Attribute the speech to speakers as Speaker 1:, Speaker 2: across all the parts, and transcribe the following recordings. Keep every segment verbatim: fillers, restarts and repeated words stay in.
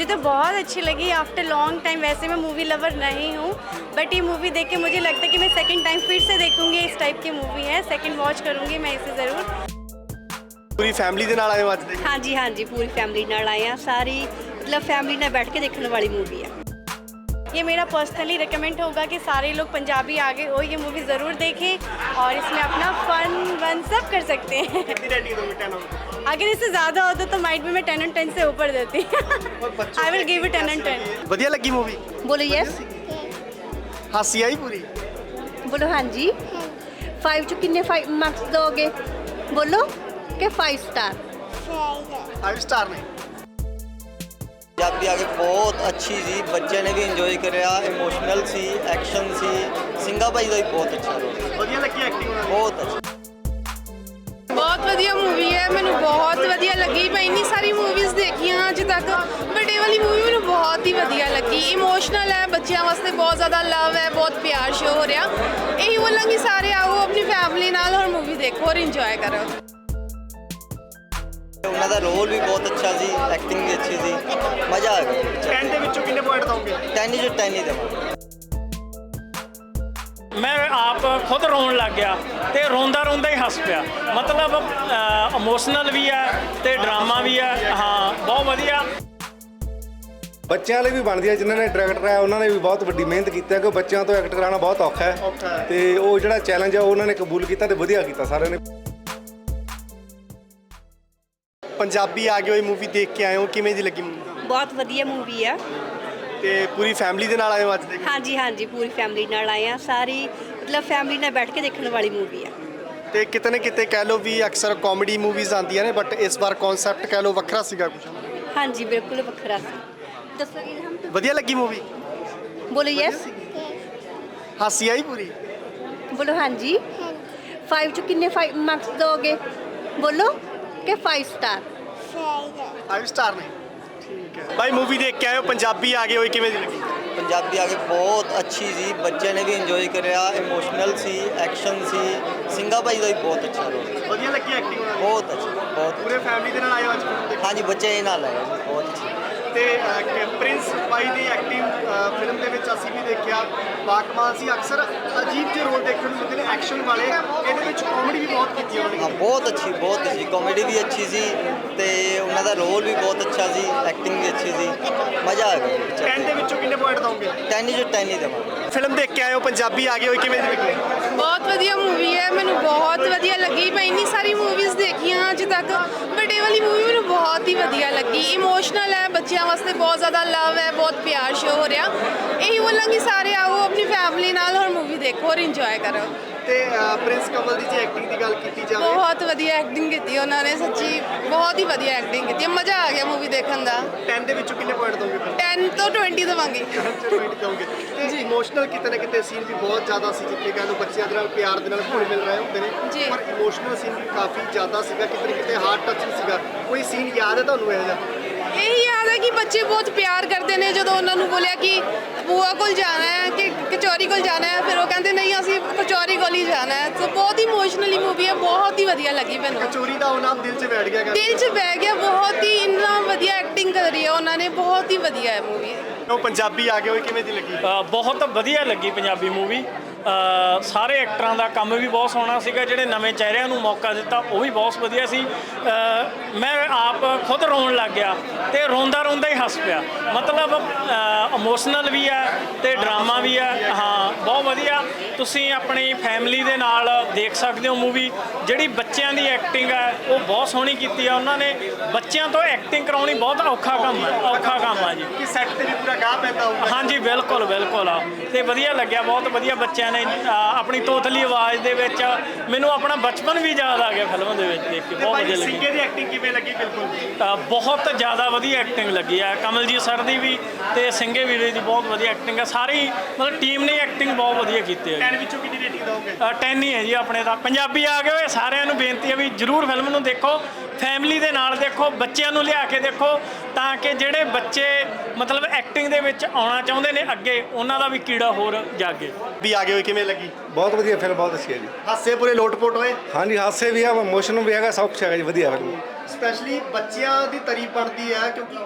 Speaker 1: मुझे तो बहुत अच्छी लगी आफ्टर लॉन्ग टाइम। वैसे मैं मूवी लवर नहीं हूँ, बट ये मूवी देख के मुझे लगता है कि मैं सेकंड टाइम फिर से देखूंगी। इस टाइप की मूवी है, सेकंड वॉच करूंगी मैं इसे ज़रूर।
Speaker 2: पूरी फैमिली ਦੇ ਨਾਲ ਆਏ ਹੋ ਅੱਜ ਦੇ?
Speaker 3: हाँ जी हाँ जी पूरी फैमिली नाल आए हैं। सारी मतलब फैमिली नाल बैठ के देखने वाली मूवी है।
Speaker 1: ये मेरा पर्सनली रिकमेंड होगा कि सारे लोग पंजाबी आगे हो ये मूवी ज़रूर देखें और इसमें अपना फन वन सब कर सकते हैं।
Speaker 2: कितनी रेटिंग दोगे टेन आउट ऑफ?
Speaker 1: अगर इससे ज़्यादा होता तो माइट भी मैं टेन एंड टेन से ऊपर देती। I will give it ten and ten.
Speaker 2: ਵਧੀਆ ਲੱਗੀ मूवी?
Speaker 3: बोलो यस,
Speaker 2: ਹਾਸੀ ਆਈ ਪੂਰੀ?
Speaker 3: बोलो हाँ जी। फाइव चो किन्ने फाइव मार्क्स दोगे? बोलो कि फाइव स्टार।
Speaker 2: फाइव स्टार ने
Speaker 4: ਪੰਜਾਬੀ ਆ ਕੇ ਬਹੁਤ ਅੱਛੀ ਸੀ, ਬੱਚਿਆਂ ਨੇ ਵੀ ਇੰਜੋਏ ਕਰਿਆ। ਇਮੋਸ਼ਨਲ ਸੀ, ਐਕਸ਼ਨ ਸੀ, ਸਿੰਘਾ ਭਾਈ ਦਾ ਵੀ ਬਹੁਤ ਅੱਛਾ ਰੋਲ।
Speaker 2: ਵਧੀਆ ਲੱਗੀ ਐਕਟਿੰਗ ਉਹਨਾਂ ਦੀ?
Speaker 4: ਬਹੁਤ ਅੱਛੀ।
Speaker 5: ਬਹੁਤ ਵਧੀਆ ਮੂਵੀ ਹੈ, ਮੈਨੂੰ ਬਹੁਤ ਵਧੀਆ ਲੱਗੀ। ਮੈਂ ਇੰਨੀ ਸਾਰੀ ਮੂਵੀਜ਼ ਦੇਖੀਆਂ ਅੱਜ ਤੱਕ, ਬਟ ਇਹ ਵਾਲੀ ਮੂਵੀ ਮੈਨੂੰ ਬਹੁਤ ਹੀ ਵਧੀਆ ਲੱਗੀ। ਇਮੋਸ਼ਨਲ ਹੈ, ਬੱਚਿਆਂ ਵਾਸਤੇ ਬਹੁਤ ਜ਼ਿਆਦਾ ਲਵ ਹੈ, ਬਹੁਤ ਪਿਆਰ ਸ਼ੋ ਹੋ ਰਿਹਾ। ਇਹੀ ਬੋਲਾਂਗੀ ਸਾਰੇ ਆਓ ਆਪਣੀ ਫੈਮਿਲੀ ਨਾਲ ਔਰ ਮੂਵੀ ਦੇਖੋ ਔਰ ਇੰਜੋਏ ਕਰੋ।
Speaker 4: ਉਹਨਾਂ ਦਾ ਰੋਲ ਵੀ ਬਹੁਤ ਅੱਛਾ ਸੀ, ਐਕਟਿੰਗ ਵੀ ਅੱਛੀ ਸੀ, ਮਜ਼ਾ ਆ ਗਿਆ।
Speaker 2: टेन ਦੇ ਵਿੱਚੋਂ ਕਿੰਨੇ ਪੁਆਇੰਟ ਦੋਗੇ?
Speaker 4: ਟੈਨ ਚੋਂ ਟੈਨ ਹੀ ਦੇਵਾਂਗੇ।
Speaker 6: ਮੈਂ ਆਪ ਖੁਦ ਰੋਣ ਲੱਗ ਗਿਆ ਤੇ ਰੋਂਦਾ ਰੋਂਦਾ ਹੀ ਹੱਸ ਪਿਆ। ਮਤਲਬ ਇਮੋਸ਼ਨਲ ਵੀ ਹੈ ਤੇ ਡਰਾਮਾ ਵੀ ਹੈ। ਹਾਂ ਬਹੁਤ ਵਧੀਆ।
Speaker 7: ਬੱਚਿਆਂ ਲਈ ਵੀ ਬਣਦੀ ਹੈ। ਜਿਨ੍ਹਾਂ ਨੇ ਡਾਇਰੈਕਟਰ ਹੈ ਉਹਨਾਂ ਨੇ ਵੀ ਬਹੁਤ ਵੱਡੀ ਮਿਹਨਤ ਕੀਤੀ ਹੈ ਕਿ ਬੱਚਿਆਂ ਤੋਂ ਐਕਟ ਕਰਾਉਣਾ ਬਹੁਤ ਔਖਾ ਹੈ ਤੇ ਉਹ ਜਿਹੜਾ ਚੈਲੰਜ ਹੈ ਉਹਨਾਂ ਨੇ ਕਬੂਲ ਕੀਤਾ ਤੇ ਵਧੀਆ ਕੀਤਾ ਸਾਰਿਆਂ ਨੇ।
Speaker 2: ਪੰਜਾਬੀ ਆ ਗਏ ਹੋਈ ਮੂਵੀ ਦੇਖ ਕੇ ਆਏ ਹੋ, ਕਿਵੇਂ ਦੀ ਲੱਗੀ ਮੂਵੀ?
Speaker 3: बहुत वधिया मूवी है।
Speaker 2: ਤੇ ਪੂਰੀ ਫੈਮਿਲੀ ਦੇ ਨਾਲ ਆਏ ਹੋ ਅੱਜ ਦੇ?
Speaker 3: हाँ जी हाँ जी पूरी फैमिली नाल आए हैं। सारी मतलब फैमिली नाल बैठ के देखने वाली मूवी है।
Speaker 2: ਤੇ ਕਿਤੇ ਨਾ ਕਿਤੇ ਕਹਿ ਲਓ ਵੀ ਅਕਸਰ ਕਾਮੇਡੀ ਮੂਵੀਜ਼ ਆਉਂਦੀਆਂ ਨੇ, ਬਟ ਇਸ ਵਾਰ ਕਨਸੈਪਟ ਕਹਿ ਲਓ ਵੱਖਰਾ ਸੀਗਾ ਕੁਝ।
Speaker 3: हाँ जी बिल्कुल वखरा सी। दसोगे हम तो?
Speaker 2: ਵਧੀਆ ਲੱਗੀ ਮੂਵੀ?
Speaker 3: बोलो यस,
Speaker 2: ਹਾਸੀ ਆਈ ਪੂਰੀ?
Speaker 3: बोलो हाँ जी। फाइव चो किन्ने फाइव मार्क्स दोगे? बोलो कि फाइव स्टार।
Speaker 2: फाइव स्टार ने ठीक है। भाई मूवी देख के आए हो, पंजाबी आ गए हो, किवें दी लगी?
Speaker 4: ਪੰਜਾਬੀ ਆ ਕੇ ਬਹੁਤ ਅੱਛੀ ਸੀ, ਬੱਚਿਆਂ ਨੇ ਵੀ ਇੰਜੋਏ ਕਰਿਆ। ਇਮੋਸ਼ਨਲ ਸੀ, ਐਕਸ਼ਨ ਸੀ, ਸਿੰਘਾ ਭਾਈ ਦਾ ਵੀ ਬਹੁਤ ਅੱਛਾ ਰੋਲ।
Speaker 2: ਵਧੀਆ ਲੱਗੀ ਐਕਟਿੰਗ ਉਹਨਾਂ ਦੀ?
Speaker 4: ਬਹੁਤ ਅੱਛੀ, ਬਹੁਤ
Speaker 2: ਪੂਰੇ ਫੈਮਿਲੀ ਦੇ ਨਾਲ ਆਏ ਹੋ ਅੱਜ ਫਿਲਮ ਦੇਖਣ?
Speaker 4: ਹਾਂਜੀ ਬੱਚੇ ਨਾਲ ਆਏ ਜੀ, ਬਹੁਤ ਅੱਛੀ।
Speaker 2: ਤੇ ਅਹ, ਪ੍ਰਿੰਸ ਭਾਈ ਦੀ ਐਕਟਿੰਗ ਫਿਲਮ ਦੇ ਵਿੱਚ ਅਸੀਂ ਵੀ ਦੇਖਿਆ, ਬਾਕਮਾਲ ਸੀ। ਅਕਸਰ ਅਜੀਬ ਜਿਹੇ ਰੋਲ ਦੇਖਣ ਨੂੰ ਮਿਲਦੇ ਨੇ ਐਕਸ਼ਨ ਵਾਲੇ, ਇਹਦੇ ਵਿੱਚ ਕਾਮੇਡੀ ਵੀ ਬਹੁਤ ਕੀਤੀ ਉਹਨਾਂ
Speaker 4: ਹਾਂ
Speaker 2: ਨੇ।
Speaker 4: ਬਹੁਤ ਅੱਛੀ, ਬਹੁਤ ਅੱਛੀ ਕਾਮੇਡੀ ਵੀ ਅੱਛੀ ਸੀ ਤੇ ਉਹਨਾਂ ਦਾ ਰੋਲ ਵੀ ਬਹੁਤ ਅੱਛਾ ਸੀ, ਐਕਟਿੰਗ ਵੀ ਅੱਛੀ ਸੀ, ਮਜ਼ਾ ਆ ਗਿਆ।
Speaker 2: ਟੈਨ ਦੇ ਵਿੱਚੋਂ ਕਿੰਨੇ ਪੁਆਇੰਟ ਦੋਗੇ?
Speaker 4: ਟੈਨ ਚੋਂ ਟੈਨ ਹੀ ਦੇਵਾਂਗੇ।
Speaker 2: ਫਿਲਮ ਦੇਖ ਕੇ ਆਏ ਹੋ, ਪੰਜਾਬੀ ਆ ਗਏ ਹੋ, ਕਿਵੇਂ ਦੀ ਲੱਗੀ?
Speaker 5: ਬਹੁਤ ਵਧੀਆ ਮੂਵੀ ਹੈ, ਮੈਨੂੰ ਬਹੁਤ ਵਧੀਆ ਲੱਗੀ। ਮੈਂ ਇੰਨੀ ਸਾਰੀ ਮੂਵੀਜ਼ ਦੇਖੀਆਂ ਅੱਜ ਤੱਕ, ਬਟ ਇਹ ਵਾਲੀ ਮੂਵੀ ਮੈਨੂੰ ਬਹੁਤ ਹੀ ਵਧੀਆ ਲੱਗੀ। ਇਮੋਸ਼ਨਲ ਹੈ, ਬੱਚਿਆਂ ਵਾਸਤੇ ਬਹੁਤ ਜ਼ਿਆਦਾ ਲਵ ਹੈ, ਬਹੁਤ ਪਿਆਰ ਸ਼ੋ ਹੋ ਰਿਹਾ। ਇਹੀ ਬੋਲਾਂਗੀ ਸਾਰੇ ਆਓ ਆਪਣੀ ਫੈਮਿਲੀ ਨਾਲ ਔਰ ਮੂਵੀ ਦੇਖੋ ਔਰ ਇੰਜੋਏ ਕਰੋ।
Speaker 2: ਤੇ ਅਹ, ਪ੍ਰਿੰਸ ਕਮਲ ਦੀ ਜੇ ਐਕਟਿੰਗ ਦੀ ਗੱਲ ਕੀਤੀ ਜਾਵੇ,
Speaker 5: ਬਹੁਤ ਵਧੀਆ ਐਕਟਿੰਗ ਕੀਤੀ ਉਹਨਾਂ ਨੇ, ਸੱਚੀ ਬਹੁਤ ਹੀ ਵਧੀਆ ਐਕਟਿੰਗ ਕੀਤੀ। ਮਜ਼ਾ ਆ ਗਿਆ ਮੂਵੀ ਦੇਖਣ ਦਾ।
Speaker 2: ਟੈਨ ਦੇ ਵਿੱਚੋਂ ਕਿੰਨੇ ਪੁਆਇੰਟ ਦੋਗੇ?
Speaker 5: ਟੈਨ ਤੋਂ ਟਵੰਟੀ ਦੇਵਾਂਗੀ।
Speaker 2: ਪੁਆਇੰਟ ਦੋਗੇ। ਤੇ ਇਮੋਸ਼ਨਲ ਕਿਤੇ ਨਾ ਕਿਤੇ ਸੀਨ ਵੀ ਬਹੁਤ ਜ਼ਿਆਦਾ ਸੀ, ਜਿੱਥੇ ਕਹਿ ਲਓ ਬੱਚਿਆਂ ਦੇ ਨਾਲ ਪਿਆਰ ਦੇ ਨਾਲ ਘੁਲ ਮਿਲ ਰਹੇ ਹੁੰਦੇ
Speaker 5: ਜੀ।
Speaker 2: ਨੇ, ਪਰ ਇਮੋਸ਼ਨਲ ਸੀਨ ਵੀ ਕਾਫੀ ਜ਼ਿਆਦਾ ਸੀਗਾ, ਕਿਤੇ ਨਾ ਕਿਤੇ ਹਾਰਟ ਟੱਚ ਸੀਗਾ। ਕੋਈ ਸੀਨ ਯਾਦ ਹੈ ਤੁਹਾਨੂੰ ਇਹੋ ਜਿਹਾ?
Speaker 5: ਇਹੀ ਯਾਦ ਹੈ ਕਿ ਬੱਚੇ ਬਹੁਤ ਪਿਆਰ ਕਰਦੇ ਨੇ। ਜਦੋਂ ਉਹਨਾਂ ਨੂੰ ਬੋਲਿਆ ਕਿ ਬੂਆ ਕੋਲ ਜਾਣਾ ਹੈ ਕਿ ਕਚੌਰੀ ਕੋਲ ਜਾਣਾ ਹੈ, ਫਿਰ ਉਹ ਕਹਿੰਦੇ ਨਹੀਂ ਅਸੀਂ ਕਚੌਰੀ ਕੋਲ ਹੀ ਜਾਣਾ ਹੈ। ਸੋ ਬਹੁਤ ਇਮੋਸ਼ਨਲੀ ਮੂਵੀ ਹੈ, ਬਹੁਤ ਹੀ ਵਧੀਆ ਲੱਗੀ ਮੈਨੂੰ।
Speaker 2: ਕਚੋਰੀ ਦਾ ਉਹ ਨਾਮ ਦਿਲ 'ਚ ਬੈਠ ਗਿਆ ਗਾ।
Speaker 5: ਦਿਲ 'ਚ ਬਹਿ ਗਿਆ। ਬਹੁਤ ਹੀ ਇੰਨਾ ਵਧੀਆ ਐਕਟਿੰਗ ਕਰੀ ਹੈ ਉਹਨਾਂ ਨੇ, ਬਹੁਤ ਹੀ ਵਧੀਆ ਹੈ ਮੂਵੀ।
Speaker 2: ਉਹ ਪੰਜਾਬੀ ਆ ਗਏ ਹੋਏ, ਕਿਵੇਂ ਦੀ ਲੱਗੀ?
Speaker 6: ਅ, ਬਹੁਤ ਵਧੀਆ ਲੱਗੀ ਪੰਜਾਬੀ ਮੂਵੀ। ਸਾਰੇ ਐਕਟਰਾਂ ਦਾ ਕੰਮ ਵੀ ਬਹੁਤ ਸੋਹਣਾ ਸੀਗਾ। ਜਿਹੜੇ ਨਵੇਂ ਚਿਹਰਿਆਂ ਨੂੰ ਮੌਕਾ ਦਿੱਤਾ ਉਹ ਵੀ ਬਹੁਤ ਵਧੀਆ ਸੀ। ਅ, ਮੈਂ ਆਪ ਖੁਦ ਰੋਣ ਲੱਗ ਗਿਆ ਤੇ ਰੋਂਦਾ ਰੋਂਦਾ ਹੀ ਹੱਸ ਪਿਆ। ਮਤਲਬ ਇਮੋਸ਼ਨਲ ਵੀ ਹੈ ਤੇ ਡਰਾਮਾ ਵੀ ਹੈ। ਹਾਂ ਬਹੁਤ ਵਧੀਆ। ਤੁਸੀਂ ਆਪਣੀ ਫੈਮਿਲੀ ਦੇ ਨਾਲ ਦੇਖ ਸਕਦੇ ਹੋ ਮੂਵੀ। ਜਿਹੜੀ ਬੱਚਿਆਂ ਦੀ ਐਕਟਿੰਗ ਹੈ ਉਹ ਬਹੁਤ ਸੋਹਣੀ ਕੀਤੀ ਆ ਉਹਨਾਂ ਨੇ। ਬੱਚਿਆਂ ਤੋਂ ਐਕਟਿੰਗ ਕਰਾਉਣੀ ਬਹੁਤ ਔਖਾ ਕੰਮ ਹੈ, ਔਖਾ ਕੰਮ ਆ ਜੀ।
Speaker 2: ਕਿ ਸੈੱਟ ਤੇ ਵੀ ਪੂਰਾ ਗਾਹ ਪੈਂਦਾ ਹੋਊਗਾ।
Speaker 6: ਹਾਂਜੀ ਬਿਲਕੁਲ ਬਿਲਕੁਲ ਆ ਤੇ ਵਧੀਆ ਲੱਗਿਆ, ਬਹੁਤ ਵਧੀਆ। ਬੱਚਿਆਂ ਨੇ ਆਪਣੀ ਤੋਤਲੀ ਆਵਾਜ਼ ਦੇ ਵਿੱਚ ਮੈਨੂੰ ਆਪਣਾ ਬਚਪਨ ਵੀ ਯਾਦ ਆ ਗਿਆ ਫਿਲਮ ਦੇ ਵਿੱਚ ਦੇਖ ਕੇ। ਬਹੁਤ ਵਧੀਆ ਲੱਗੀ।
Speaker 2: ਸਿੰਘੇ ਦੀ ਐਕਟਿੰਗ ਕਿਵੇਂ ਲੱਗੀ? ਬਿਲਕੁਲ
Speaker 6: ਅ, ਬਹੁਤ ਜ਼ਿਆਦਾ ਵਧੀਆ ਐਕਟਿੰਗ ਲੱਗੀ ਆ ਕਮਲਜੀਤ ਸਰ ਦੀ ਵੀ ਤੇ ਸਿੰਘੇ ਵੀਰੇ ਦੀ ਬਹੁਤ ਵਧੀਆ ਐਕਟਿੰਗ ਆ। ਸਾਰੀ ਮਤਲਬ ਟੀਮ ਨੇ ਐਕਟਿੰਗ ਬਹੁਤ ਵਧੀਆ ਕੀਤੀ ਹੈ।
Speaker 2: ਟੈਨ ਵਿੱਚੋਂ ਕਿੰਨੀ ਰੇਟਿੰਗ ਦੋਗੇ?
Speaker 6: ਟੈਨ ਹੀ ਹੈ ਜੀ ਆਪਣੇ ਦਾ। ਪੰਜਾਬੀ ਆ ਗਏ ਹੋਏ ਸਾਰਿਆਂ ਨੂੰ ਬੇਨਤੀ ਹੈ ਵੀ ਜ਼ਰੂਰ ਫਿਲਮ ਨੂੰ ਦੇਖੋ, ਫੈਮਿਲੀ ਦੇ ਨਾਲ ਦੇਖੋ, ਬੱਚਿਆਂ ਨੂੰ ਲਿਆ ਕੇ ਦੇਖੋ, ਤਾਂ ਕਿ ਜਿਹੜੇ ਬੱਚੇ ਮਤਲਬ ਐਕਟਿੰਗ ਦੇ ਵਿੱਚ ਆਉਣਾ ਚਾਹੁੰਦੇ ਨੇ ਅੱਗੇ, ਉਹਨਾਂ ਦਾ ਵੀ ਕੀੜਾ ਹੋਰ ਜਾਗੇ।
Speaker 2: ਵੀ ਆ ਗਏ ਹੋਏ, ਕਿਵੇਂ ਲੱਗੀ?
Speaker 7: ਬਹੁਤ ਵਧੀਆ ਫਿਲਮ, ਬਹੁਤ ਅੱਛੀ ਹੈ ਜੀ।
Speaker 2: ਹਾਸੇ ਪੂਰੇ ਲੋਟ-ਪੋਟ ਹੋਏ?
Speaker 7: ਹਾਂਜੀ ਹਾਸੇ ਵੀ ਆ, ਇਮੋਸ਼ਨ ਵੀ ਹੈਗਾ, ਸਭ ਕੁਛ ਹੈਗਾ ਜੀ। ਵਧੀਆ ਫਿਲਮ।
Speaker 2: ਸਪੈਸ਼ਲੀ ਬੱਚਿਆਂ ਦੀ ਤਾਰੀਫ ਬਣਦੀ ਹੈ, ਕਿਉਂਕਿ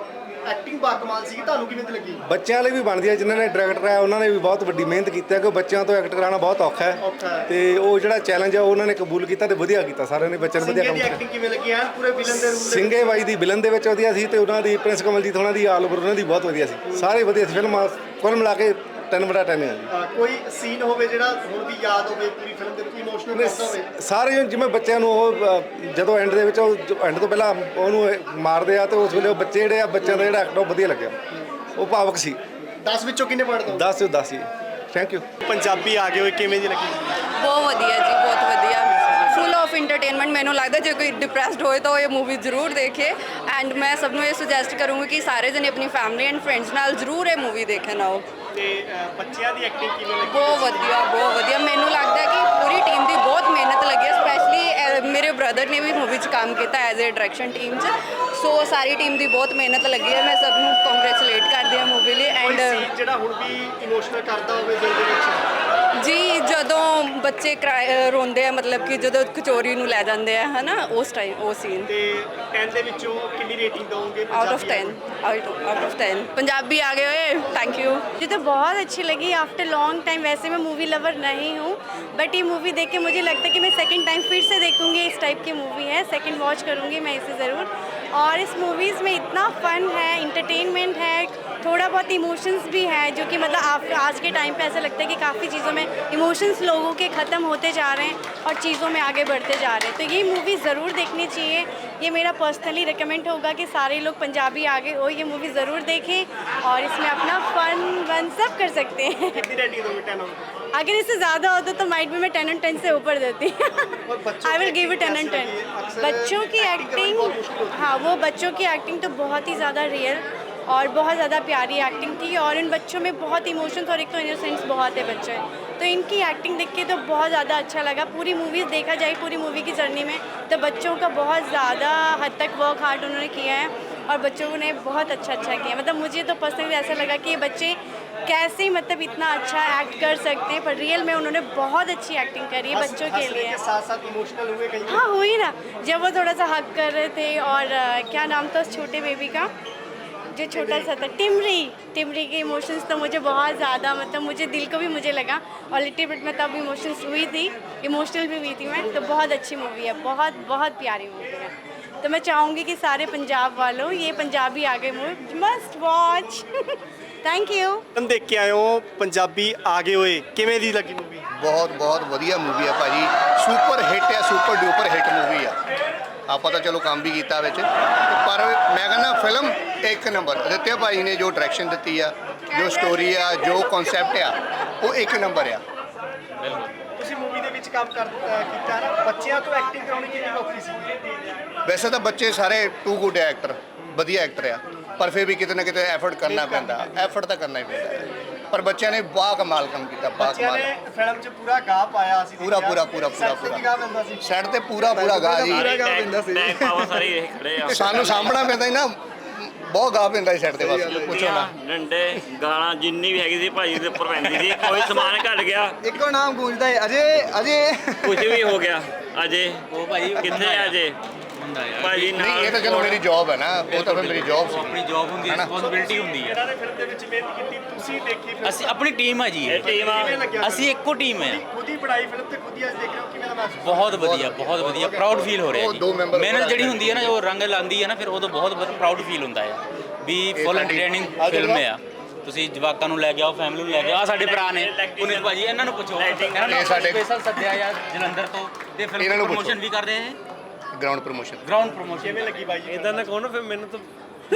Speaker 2: ਐਕਟਿੰਗ ਬਾਕਮਾਲ ਸੀ, ਤੁਹਾਨੂੰ ਕਿਵੇਂ ਦੀ ਲੱਗੀ?
Speaker 7: ਬੱਚਿਆਂ ਲਈ ਵੀ ਬਣਦੀ ਹੈ, ਜਿਨ੍ਹਾਂ ਨੇ ਡਾਇਰੈਕਟਰ ਹੈ ਉਹਨਾਂ ਨੇ ਵੀ ਬਹੁਤ ਵੱਡੀ ਮਿਹਨਤ ਕੀਤੀ ਹੈ, ਕਿ ਬੱਚਿਆਂ ਤੋਂ ਐਕਟ ਕਰਾਉਣਾ ਬਹੁਤ ਔਖਾ
Speaker 2: ਔਖਾ
Speaker 7: ਹੈ
Speaker 2: ਹੈ।
Speaker 7: ਤੇ ਉਹ ਜਿਹੜਾ ਚੈਲੰਜ ਹੈ ਉਹ ਉਹਨਾਂ ਨੇ ਕਬੂਲ ਕੀਤਾ ਤੇ ਵਧੀਆ ਕੀਤਾ, ਸਾਰਿਆਂ ਨੇ ਬੱਚਿਆਂ ਨੇ ਵਧੀਆ
Speaker 2: ਸਿੰਘੇ
Speaker 7: ਕੰਮ
Speaker 2: ਦੀ
Speaker 7: ਕੀਤਾ।
Speaker 2: ਐਕਟਿੰਗ ਕਿਵੇਂ ਲੱਗੀ? ਐਨ ਪੂਰੇ ਵਿਲਨ ਦੇ ਰੂਪ ਦੇ
Speaker 7: ਸਿੰਘੇ ਬਾਈ ਦੀ ਵਿਲਨ ਦੇ ਵਿੱਚ ਵਧੀਆ ਸੀ ਤੇ ਉਹਨਾਂ ਦੀ ਪ੍ਰਿੰਸ ਕਮਲਜੀਤ ਉਹਨਾਂ ਦੀ ਆਲ ਓਵਰ ਉਹਨਾਂ ਦੀ ਬਹੁਤ ਵਧੀਆ ਸੀ, ਸਾਰੇ ਵਧੀਆ ਸੀ। ਫਿਲਮ ਕੁੱਲ ਮਿਲਾ ਕੇ ਤਿੰਨ ਬਟਾ ਤਿੰਨ ਹੈ ਜੀ।
Speaker 2: ਅ, ਕੋਈ ਸੀਨ ਹੋਵੇ ਜਿਹੜਾ ਹੁਣ ਵੀ ਯਾਦ ਹੋਵੇ ਪੂਰੀ ਫਿਲਮ ਦੇ, ਕੋਈ ਇਮੋਸ਼ਨਲ ਕਰਦਾ ਹੋਵੇ?
Speaker 7: ਸਾਰੇ ਜਿਵੇਂ ਬੱਚਿਆਂ ਨੂੰ ਉਹ ਅ, ਜਦੋਂ ਐਂਡ ਦੇ ਵਿੱਚ ਉਹ ਐਂਡ ਤੋਂ ਪਹਿਲਾਂ ਉਹਨੂੰ ਇਹ ਮਾਰਦੇ ਆ ਤੇ ਉਸ ਵੇਲੇ ਉਹ ਬੱਚੇ ਜਿਹੜੇ ਆ ਬੱਚਿਆਂ ਦਾ ਜਿਹੜਾ ਐਕਟ ਉਹ ਵਧੀਆ ਲੱਗਿਆ, ਉਹ ਭਾਵਕ ਸੀ।
Speaker 2: ਦਸ ਵਿੱਚੋਂ ਕਿੰਨੇ ਪੜ੍ਹ ਦੋ?
Speaker 7: ਦਸ ਤੋਂ ਦਸ ਜੀ। Thank you.
Speaker 2: ਪੰਜਾਬੀ ਆ ਗਏ ਹੋਏ, ਕਿਵੇਂ ਦੀ ਲੱਗੀ?
Speaker 8: ਬਹੁਤ ਵਧੀਆ ਜੀ, ਬਹੁਤ ਵਧੀਆ, ਫੁੱਲ ਆਫ ਇੰਟਰਟੇਨਮੈਂਟ। ਮੈਨੂੰ ਲੱਗਦਾ ਜੇ ਕੋਈ ਡਿਪਰੈਸਡ ਹੋਏ ਤਾਂ ਉਹ ਇਹ ਮੂਵੀ ਜ਼ਰੂਰ ਦੇਖੇ ਐਂਡ ਮੈਂ ਸਭ ਨੂੰ ਇਹ ਸੁਜੈਸਟ ਕਰੂੰਗੀ ਕਿ ਸਾਰੇ ਜਣੇ ਆਪਣੀ ਫੈਮਿਲੀ ਐਂਡ ਫਰੈਂਡਸ ਨਾਲ ਜ਼ਰੂਰ ਇਹ ਮੂਵੀ ਦੇਖਣ ਆਓ।
Speaker 2: ਤੇ ਅ, ਬੱਚਿਆਂ ਦੀ ਐਕਟਿੰਗ ਕਿਵੇਂ ਲੱਗੀ?
Speaker 8: ਬਹੁਤ ਵਧੀਆ, ਬਹੁਤ ਵਧੀਆ। ਮੈਨੂੰ ਲੱਗਦਾ ਹੈ ਕਿ ਪੂਰੀ ਟੀਮ ਦੀ ਬਹੁਤ ਮਿਹਨਤ ਲੱਗੀ ਹੈ, ਸਪੈਸ਼ਲੀ ਮੇਰੇ ਬ੍ਰਦਰ ਨੇ ਵੀ ਮੂਵੀ 'ਚ ਕੰਮ ਕੀਤਾ ਐਜ਼ ਏ ਡਾਇਰੈਕਸ਼ਨ ਟੀਮ 'ਚ। ਸੋ ਸਾਰੀ ਟੀਮ ਦੀ ਬਹੁਤ ਮਿਹਨਤ ਲੱਗੀ ਹੈ, ਮੈਂ ਸਭ ਨੂੰ ਕੰਗ੍ਰੈਚੁਲੇਟ ਕਰਦੀ ਹਾਂ ਮੂਵੀ ਲਈ।
Speaker 2: ਕੋਈ
Speaker 8: ਐਂਡ
Speaker 2: scene ਜਿਹੜਾ ਹੁਣ ਵੀ ਇਮੋਸ਼ਨਲ ਕਰਦਾ ਹੋਵੇ ਦਿਲ ਦੇ ਵਿੱਚ?
Speaker 8: ਜੀ ਜਦੋਂ ਬੱਚੇ ਕਰਾ- ਰੋਂਦੇ ਆ, ਮਤਲਬ ਕਿ ਜਦੋਂ ਕਚੋਰੀ ਨੂੰ ਲੈ ਜਾਂਦੇ ਆ ਹੈ ਨਾ, ਉਸ ਟਾਈਮ ਉਹ ਸੀਨ।
Speaker 2: ਤੇ ਦਸ ਦੇ ਵਿੱਚੋਂ ਕਿੰਨੀ ਰੇਟਿੰਗ ਦਵੋਗੇ?
Speaker 8: Out of ten, out of ten. Punjabi आ गए हुए, थैंक यू।
Speaker 1: मुझे तो बहुत अच्छी लगी आफ्टर लॉन्ग टाइम। वैसे मैं मूवी लवर नहीं हूँ, बट ये मूवी देख के मुझे लगता है कि मैं सेकंड टाइम फिर से देखूँगी। इस टाइप की मूवी है, सेकंड वॉच करूँगी मैं इसे ज़रूर। और इस मूवीज़ में इतना फ़न है, इंटरटेनमेंट है, थोड़ा बहुत इमोशंस भी है, जो कि मतलब आप आज के टाइम पे ऐसा लगता है कि काफ़ी चीज़ों में इमोशंस लोगों के ख़त्म होते जा रहे हैं और चीज़ों में आगे बढ़ते जा रहे हैं। तो ये मूवी ज़रूर देखनी चाहिए। ये मेरा पर्सनली रिकमेंड होगा कि सारे लोग पंजाबी आगे हो, ये मूवी ज़रूर देखें और इसमें अपना फ़न वन सब कर सकते हैं।
Speaker 2: कितनी रेटिंग दोगे? Ten out?
Speaker 1: अगर इससे ज़्यादा होता तो माइट भी मैं टेन एंड टेन से ऊपर देती।
Speaker 2: और बच्चों
Speaker 1: आई
Speaker 2: की
Speaker 1: will give it ten
Speaker 2: acting
Speaker 1: and ten.
Speaker 2: कैसी लगी? अक्सर
Speaker 1: बच्चों की
Speaker 2: acting करना बहुत मुश्किल
Speaker 1: एक्टिंग,
Speaker 2: होती है।
Speaker 1: हाँ वो बच्चों की एक्टिंग तो बहुत ही ज़्यादा रियल और बहुत ज़्यादा प्यारी एक्टिंग थी। और इन बच्चों में बहुत इमोशंस और एक तो इनोसेंस बहुत है बच्चे, तो इनकी एक्टिंग देख के तो बहुत ज़्यादा अच्छा लगा। पूरी मूवीज़ देखा जाए पूरी मूवी की जर्नी में तो बच्चों का बहुत ज़्यादा हद तक वर्क हार्ड उन्होंने किया है और बच्चों ने बहुत अच्छा अच्छा किया। मतलब मुझे तो पर्सनली ऐसा लगा कि ये बच्चे कैसे मतलब इतना अच्छा एक्ट कर सकते हैं, पर रियल में उन्होंने बहुत अच्छी एक्टिंग करी है बच्चों के
Speaker 2: हंसने
Speaker 1: लिए।
Speaker 2: के साथ साथ इमोशनल हुए कहीं?
Speaker 1: हाँ हुई ना, जब वो थोड़ा सा हक कर रहे थे और अ, क्या नाम था उस छोटे बेबी का जो छोटा सा था, टिमरी। टिमरी के इमोशंस तो मुझे बहुत ज़्यादा मतलब मुझे दिल को भी मुझे लगा और लिटिल बिट में तब इमोशंस हुई थी, इमोशनल भी हुई थी मैं। तो बहुत अच्छी मूवी है, बहुत बहुत प्यारी मूवी है। तो मैं चाहूँगी कि सारे पंजाब वालों ये पंजाबी आ गए movie must watch. Thank you.
Speaker 2: तुम देख के आए हो पंजाबी आ गए होए, किਵੇਂ ਦੀ ਲੱਗੀ मूवी?
Speaker 9: ਬਹੁਤ ਬਹੁਤ ਵਧੀਆ ਮੂਵੀ ਆ ਭਾਜੀ, ਸੁਪਰ ਹਿੱਟ ਆ, ਸੁਪਰ ਡੂਪਰ ਹਿੱਟ ਮੂਵੀ ਆ। ਆਪਾਂ ਤਾਂ ਚਲੋ ਕੰਮ ਵੀ ਕੀਤਾ ਵਿੱਚ, ਪਰ ਮੈਂ ਕਹਿੰਦਾ ਫਿਲਮ ਇੱਕ ਨੰਬਰ। ਅਦਿੱਤਿਆ ਭਾਈ ਨੇ ਜੋ ਡਾਇਰੈਕਸ਼ਨ ਦਿੱਤੀ ਆ, ਜੋ ਸਟੋਰੀ ਆ, ਜੋ ਕਨਸੈਪਟ ਆ, ਉਹ ਇੱਕ ਨੰਬਰ ਆ।
Speaker 2: ਤੁਸੀਂ ਮੂਵੀ ਦੇ ਵਿੱਚ ਕੰਮ ਕਰ ਅ, ਕੀਤਾ ਨਾ, ਬੱਚਿਆਂ ਤੋਂ ਐਕਟਿੰਗ ਕਰਾਉਣੀ ਕਿੰਨੀ ਔਖੀ ਸੀ?
Speaker 9: ਵੈਸੇ ਤਾਂ ਬੱਚੇ ਸਾਰੇ ਟੂ ਗੁੱਡ ਐਕਟਰ, ਵਧੀਆ ਐਕਟਰ ਆ, ਪਰ ਫਿਰ ਵੀ ਕਿਤੇ ਨਾ ਕਿਤੇ ਐਫਰਟ ਕਰਨਾ ਪੈਂਦਾ, ਐਫਰਟ ਤਾਂ ਕਰਨਾ ਹੀ ਪੈਂਦਾ ਹੈ। ਪਰ ਬੱਚਿਆਂ ਨੇ ਬਾ ਕਮਾਲ ਕੰਮ ਕੀਤਾ, ਬਾ
Speaker 2: ਬੱਚਿਆਂ
Speaker 9: ਕਮਾਲ।
Speaker 2: ਨੇ ਫਿਲਮ 'ਚ ਪੂਰਾ ਗਾ ਪਾਇਆ ਸੀ।
Speaker 9: ਪੂਰਾ ਪੂਰਾ ਪੂਰਾ ਪੂਰਾ
Speaker 2: ਪੂਰਾ ਗਾ ਪੈਂਦਾ ਸੀ।
Speaker 9: ਸੈੱਟ ਤੇ ਪੂਰਾ ਪੂਰਾ ਗਾ ਜੀ।
Speaker 2: ਪੂਰਾ ਗਾ ਪੈਂਦਾ ਸੀ।
Speaker 6: ਸਾਰੇ ਇਹ ਖੜੇ ਆ
Speaker 9: ਸਾਨੂੰ ਸਾਂਭਣਾ ਪੈਂਦਾ ਸੀ ਨਾ, ਬਹੁਤ ਗਾ ਪੈਂਦਾ ਸੀ ਸੈੱਟ ਤੇ, ਬਸ ਪੁੱਛੋ ਨਾ।
Speaker 6: ਡੰਡੇ ਗਾਲਾਂ ਜਿੰਨੀ ਵੀ ਹੈਗੀ ਸੀ ਭਾਜੀ ਦੇ ਉੱਪਰ ਪੈਂਦੀ ਸੀ, ਕੋਈ ਸਮਾਨ ਘਟ ਗਿਆ,
Speaker 2: ਇੱਕੋ ਨਾਮ ਗੂੰਜਦਾ ਹੈ, ਅਜੇ ਅਜੇ।
Speaker 6: ਕੁਝ ਵੀ ਹੋ ਗਿਆ। ਅਜੇ ਉਹ ਭਾਜੀ ਕਿੱਥੇ ਆ ਅਜੇ ਭਾਜੀ?
Speaker 9: ਨਹੀਂ ਇਹ ਤਾਂ ਚਲੋ ਮੇਰੀ ਜੌਬ ਹੈ ਨਾ, ਉਹ ਤਾਂ ਫਿਰ ਮੇਰੀ ਜੌਬ ਸੀ।
Speaker 10: ਆਪਣੀ ਜੌਬ ਹੁੰਦੀ ਹੈ, ਰਿਸਪੌਂਸਿਬਿਲਟੀ ਹੁੰਦੀ ਹੈ।
Speaker 2: ਇਹਨਾਂ ਨੇ ਫਿਲਮ ਦੇ ਵਿੱਚ ਮਿਹਨਤ ਕੀਤੀ, ਤੁਸੀਂ ਦੇਖੀ ਫਿਲਮ?
Speaker 10: ਅਸੀਂ ਆਪਣੀ ਟੀਮ ਆ ਜੀ,
Speaker 6: ਇਹ ਟੀਮ ਆ।
Speaker 2: ਕਿਵੇਂ ਲੱਗਿਆ?
Speaker 10: ਅਸੀਂ ਇੱਕੋ ਟੀਮ ਹੈ।
Speaker 2: ਖੁਦ ਹੀ ਬਣਾਈ ਫਿਲਮ ਤੇ ਖੁਦ ਹੀ ਅੱਜ ਦੇਖ ਰਹੇ ਹੋ, ਕਿਵੇਂ ਦਾ ਮਹਿਸੂਸ?
Speaker 10: ਬਹੁਤ ਵਧੀਆ, ਬਹੁਤ ਵਧੀਆ, ਪ੍ਰਾਊਡ ਫੀਲ ਹੋ ਰਿਹਾ
Speaker 9: ਉਹ
Speaker 10: ਜੀ।
Speaker 9: ਦੋ ਮੈਂਬਰ
Speaker 10: ਮਿਹਨਤ ਜਿਹੜੀ ਹੁੰਦੀ ਹੈ ਨਾ, ਜੋ ਰੰਗ ਲਾਉਂਦੀ ਹੈ ਨਾ, ਫਿਰ ਉਦੋਂ ਬਹੁਤ ਪ੍ਰਾਊਡ ਫੀਲ ਹੁੰਦਾ ਹੈ ਵੀ ਫੁੱਲ ਐਂਟਰਟੇਨਿੰਗ ਫਿਲਮ ਹੈ। ਤੁਸੀਂ ਜਵਾਕਾਂ ਨੂੰ ਲੈ ਕੇ ਆਓ, ਫੈਮਿਲੀ ਨੂੰ ਲੈ ਕੇ ਆਓ। ਆਹ ਸਾਡੇ ਭਰਾ ਨੇ ਪੁਨੀਤ ਭਾਜੀ, ਇਹਨਾਂ ਨੂੰ ਪੁੱਛੋ, ਇਹਨਾਂ ਨੂੰ
Speaker 9: ਸਾਡੇ-
Speaker 10: ਸਪੈਸ਼ਲ ਸੱਦਿਆ ਜਾਂ ਜਲੰਧਰ ਤੋਂ, ਤੇ
Speaker 9: ਇਹਨਾਂ
Speaker 10: ਫਿਲਮ
Speaker 9: ਨੂੰ
Speaker 10: ਪ੍ਰੋਮੋਸ਼ਨ
Speaker 9: ਪੁੱਛੋ।
Speaker 10: ਵੀ ਕਰਦੇ ਨੇ,
Speaker 9: ਗਰਾਊਂਡ ਪ੍ਰੋਮੋਸ਼ਨ।
Speaker 10: Ground promotion.
Speaker 2: ਕਿਵੇਂ ਲੱਗੀ ਬਾਈ ਜੀ?
Speaker 11: ਇਦਾਂ ਨਾ ਕਹੋ ਨਾ ਫਿਰ ਮੈਨੂੰ ਤਾਂ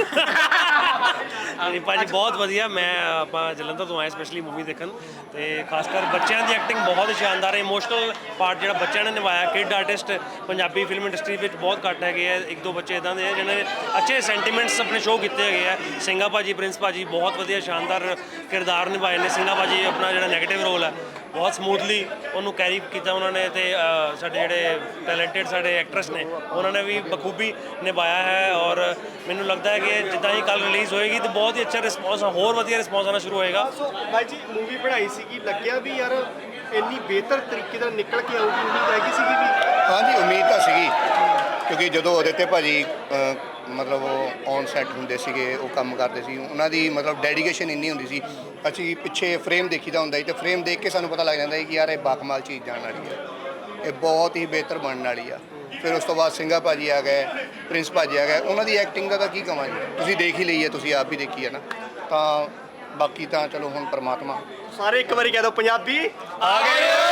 Speaker 11: ਨਹੀਂ ਭਾਜੀ, ਬਹੁਤ ਵਧੀਆ। ਮੈਂ ਆਪਾਂ ਜਲੰਧਰ ਤੋਂ ਆਏ ਸਪੈਸ਼ਲੀ ਮੂਵੀ ਦੇਖਣ, ਤੇ ਖਾਸ ਕਰ ਬੱਚਿਆਂ ਦੀ ਐਕਟਿੰਗ ਬਹੁਤ ਸ਼ਾਨਦਾਰ ਹੈ। ਇਮੋਸ਼ਨਲ ਪਾਰਟ ਜਿਹੜਾ ਬੱਚਿਆਂ ਨੇ ਨਿਭਾਇਆ, kid artist Punjabi film industry ਵਿੱਚ ਬਹੁਤ ਘੱਟ ਹੈਗੇ ਆ। ਇੱਕ ਦੋ ਬੱਚੇ ਇਦਾਂ ਦੇ ਆ ਜਿਹਨਾਂ ਨੇ ਅੱਛੇ ਸੈਂਟੀਮੈਂਟਸ ਆਪਣੇ ਸ਼ੋਅ ਕੀਤੇ ਹੈਗੇ ਆ। ਸਿੰਘਾ ਭਾਜੀ, ਪ੍ਰਿੰਸ ਭਾਜੀ ਬਹੁਤ ਵਧੀਆ ਸ਼ਾਨਦਾਰ ਕਿਰਦਾਰ ਨਿਭਾਏ ਨੇ। ਸਿੰਘਾ ਭਾਜੀ ਆਪਣਾ ਜਿਹੜਾ ਨੈਗੇਟਿਵ ਰੋਲ ਹੈ ਬਹੁਤ ਸਮੂਥਲੀ ਉਹਨੂੰ ਕੈਰੀ ਕੀਤਾ ਉਹਨਾਂ ਨੇ, ਤੇ ਅ, ਸਾਡੇ ਜਿਹੜੇ ਟੈਲੈਂਟਡ ਸਾਡੇ ਐਕਟਰਸ ਨੇ ਉਹਨਾਂ ਨੇ ਵੀ ਬਖੂਬੀ ਨਿਭਾਇਆ ਹੈ। ਔਰ ਮੈਨੂੰ ਲੱਗਦਾ ਹੈ ਕਿ ਜਿੱਦਾਂ ਹੀ ਕੱਲ ਰਿਲੀਜ਼ ਹੋਏਗੀ ਤਾਂ ਬਹੁਤ ਹੀ ਅੱਛਾ ਰਿਸਪੌਂਸ, ਹੋਰ ਵਧੀਆ ਰਿਸਪੌਂਸ ਆਉਣਾ ਸ਼ੁਰੂ ਹੋਏਗਾ।
Speaker 2: ਸੋ ਬਾਈ ਜੀ ਮੂਵੀ ਬਣਾਈ ਸੀਗੀ, ਲੱਗਿਆ ਵੀ ਯਾਰ ਇੰਨੀ ਬਿਹਤਰ ਤਰੀਕੇ ਨਾਲ ਨਿਕਲ ਕੇ ਆਊਗੀ, ਉਮੀਦ ਹੈਗੀ ਸੀਗੀ ਵੀ?
Speaker 9: ਹਾਂਜੀ ਉਮੀਦ ਤਾਂ ਸੀਗੀ, ਕਿਉਂਕਿ ਜਦੋਂ ਅਦਿੱਤੇ ਭਾਜੀ ਅ, ਮਤਲਬ ਉਹ ਔਨ ਸੈੱਟ ਹੁੰਦੇ ਸੀਗੇ, ਉਹ ਕੰਮ ਕਰਦੇ ਸੀ, ਉਹਨਾਂ ਦੀ ਮਤਲਬ ਡੈਡੀਕੇਸ਼ਨ ਇੰਨੀ ਹੁੰਦੀ ਸੀ। ਅਸੀਂ ਪਿੱਛੇ ਫਰੇਮ ਦੇਖੀਦਾ ਹੁੰਦਾ ਸੀ ਤੇ ਫਰੇਮ ਦੇਖ ਕੇ ਸਾਨੂੰ ਪਤਾ ਲੱਗ ਜਾਂਦਾ ਸੀ ਕਿ ਯਾਰ ਇਹ ਬਾਕਮਾਲ ਚੀਜ਼ ਜਾਣ ਵਾਲੀ ਹੈ, ਇਹ ਬਹੁਤ ਹੀ ਬਿਹਤਰ ਬਣਨ ਵਾਲੀ ਆ। ਫਿਰ ਉਸ ਤੋਂ ਬਾਅਦ ਸਿੰਘਾ ਭਾਜੀ ਆ ਗਏ, ਪ੍ਰਿੰਸ ਭਾਜੀ ਆ ਗਏ, ਉਹਨਾਂ ਦੀ ਐਕਟਿੰਗ ਦਾ ਤਾਂ ਕੀ ਕਵਾਂ ਜੀ, ਤੁਸੀਂ ਦੇਖ ਹੀ ਲਈ ਹੈ, ਤੁਸੀਂ ਆਪ ਵੀ ਦੇਖੀ ਹੈ ਨਾ। ਤਾਂ ਬਾਕੀ ਤਾਂ ਚਲੋ ਹੁਣ ਪਰਮਾਤਮਾ
Speaker 2: ਸਾਰੇ ਇੱਕ ਵਾਰੀ ਕਹਿ ਦਿਓ ਪੰਜਾਬੀ ਆ ਗਏ।